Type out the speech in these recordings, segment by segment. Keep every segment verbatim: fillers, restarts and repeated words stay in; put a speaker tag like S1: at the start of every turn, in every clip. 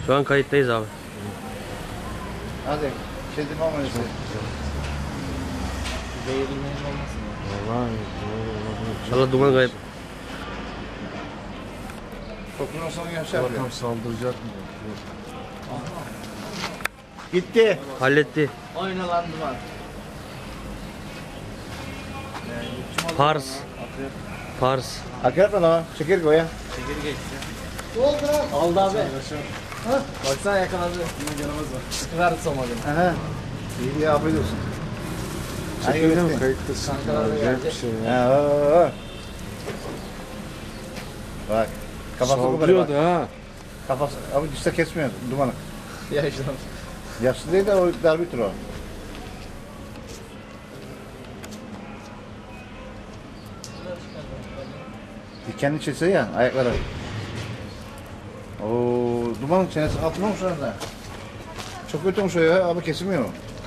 S1: Şu an kayıttayız abi.
S2: Hadi. Şey deme ama neyse.
S3: Zehirlenmeyin olmasın ya.
S4: Vallahi.
S1: İnşallah duman kayıp.
S2: Kokundan sonra yaşar ya.
S4: Bakalım saldıracak mı?
S2: Gitti.
S1: Halletti.
S3: Oynalandı var.
S1: Pars. Pars.
S2: Akrep mi lan? Çekirge o ya.
S3: Çekir geçti. Aldı abi. Ha? Baksana yakaladı. Yine canımız var. Sıkıverdi somalını.
S2: Aha. İyi ya afiyet olsun.
S4: Çekildi mi? Kayıttasın.
S3: Kankalar da
S4: Acayip bir
S3: gelecek.
S4: şey ya.
S2: Ha, o, o. Bak. Kafası bu kadar bak.
S4: Saldırıyordu ha.
S2: Kafası. Abi düşse kesmiyor dumanı.
S3: Yaşlı.
S2: Yaşlı değil de o darbitür o. Dikenli çese ya ayakları. Oo, dumanın çenesi altına olmuş arada. Çok kötü olmuş o ya abi kesilmiyor.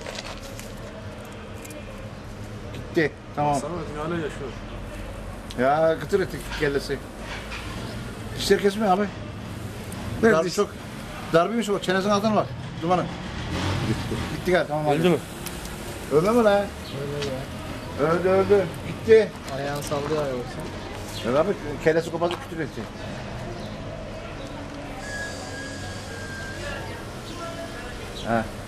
S2: Gitti. Tamam.
S4: Sana hala yaşıyor.
S2: Ya kıtır ettik kellesi. Dişleri kesmiyor abi.
S4: Ne
S2: Darbe
S4: diş-
S2: çok. Darbeymiş o çenesinin altına bak. Dumanı. Gitti. Gitti galiba tamam abi.
S1: Öldü mü?
S2: Ölme mi lan?
S3: Öyle ya.
S2: Öldü öldü. Gitti.
S3: Ayağını sallıyor yoksa.
S2: Ya abi kellesi kopardı kütür etti. Ha.